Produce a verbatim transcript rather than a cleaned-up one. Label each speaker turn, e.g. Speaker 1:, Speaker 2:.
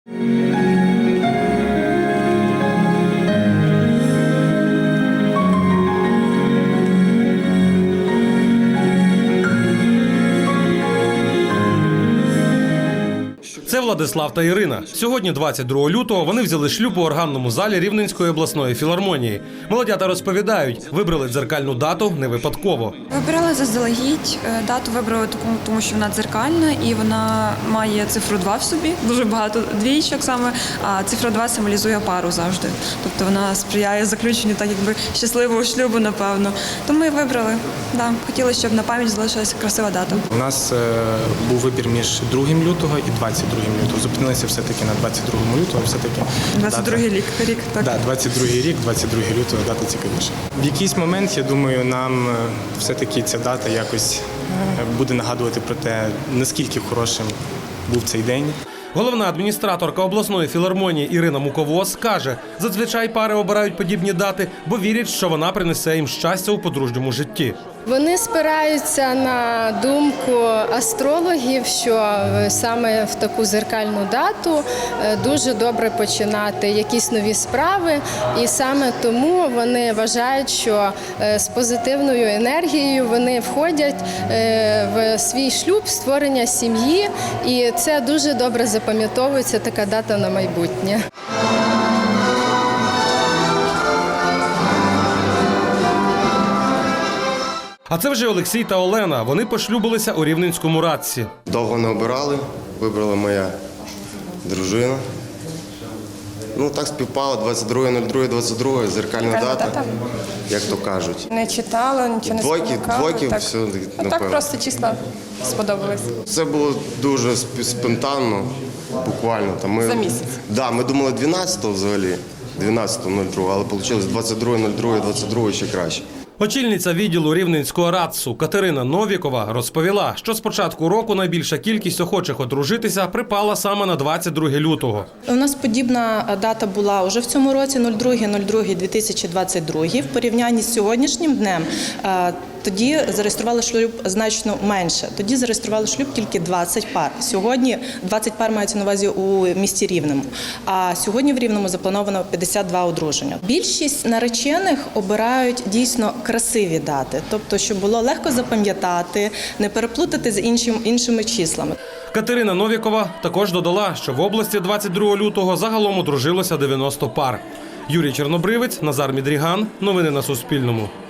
Speaker 1: Це Владислав та Ірина. Сьогодні, двадцять другого лютого, вони взяли шлюб у органному залі Рівненської обласної філармонії. Молодята розповідають, вибрали дзеркальну дату не випадково.
Speaker 2: Вибирали заздалегідь, дату вибрали таку, тому що вона дзеркальна і вона має цифру два в собі. Дуже багато двійчок саме, а цифра два символізує пару завжди. Тобто вона сприяє заключенню так якби щасливого шлюбу, напевно. Тому і вибрали. Да. Хотіли, щоб на пам'ять залишилася красива дата.
Speaker 3: У нас е, був вибір між другим лютого і двадцять другим лютого. Зупинилися все-таки на двадцять другому лютого. Все-таки
Speaker 2: двадцять другий рік, рік, так.
Speaker 3: Да, двадцять другий рік, двадцять другого лютого, дата цікавіша. В якийсь момент, я думаю, нам все-таки ця дата якось буде нагадувати про те, наскільки хорошим був цей день.
Speaker 1: Головна адміністраторка обласної філармонії Ірина Муковоз каже, зазвичай пари обирають подібні дати, бо вірять, що вона принесе їм щастя у подружньому житті.
Speaker 4: Вони спираються на думку астрологів, що саме в таку дзеркальну дату дуже добре починати якісь нові справи. І саме тому вони вважають, що з позитивною енергією вони входять в свій шлюб, створення сім'ї. І це дуже добре запам'ятовується, така дата на майбутнє.
Speaker 1: А це вже Олексій та Олена. Вони пошлюбилися у Рівненському Радці.
Speaker 5: Довго не обирали, вибрала моя дружина. Ну, так співпало, двадцять друге нуль двадцять два, зеркальна дата, дата, як то кажуть.
Speaker 6: Не читала, нічого не
Speaker 5: Двойки,
Speaker 6: спонукала.
Speaker 5: двойки,
Speaker 6: так.
Speaker 5: все,
Speaker 6: Ну, так просто числа сподобались.
Speaker 5: Це було дуже спонтанно, буквально. Там ми,
Speaker 6: За місяць?
Speaker 5: Да, ми думали дванадцятого взагалі, дванадцятого нуль другого, але вийшло двадцять друге нуль двадцять два ще краще.
Speaker 1: Очільниця відділу Рівненського Радсу Катерина Новікова розповіла, що з початку року найбільша кількість охочих одружитися припала саме на двадцять друге лютого.
Speaker 7: У нас подібна дата була вже в цьому році, нуль другий нуль другий дві тисячі двадцять другий. В порівнянні з сьогоднішнім днем тоді зареєстрували шлюб значно менше. Тоді зареєстрували шлюб тільки двадцять пар. Сьогодні двадцять пар мається на увазі у місті Рівному, а сьогодні в Рівному заплановано п'ятдесят два одруження. Більшість наречених обирають дійсно красиві дати, тобто, щоб було легко запам'ятати, не переплутати з іншим, іншими числами.
Speaker 1: Катерина Новікова також додала, що в області двадцять другого лютого загалом одружилося дев'яносто пар. Юрій Чорнобривець, Назар Мідріган. Новини на Суспільному.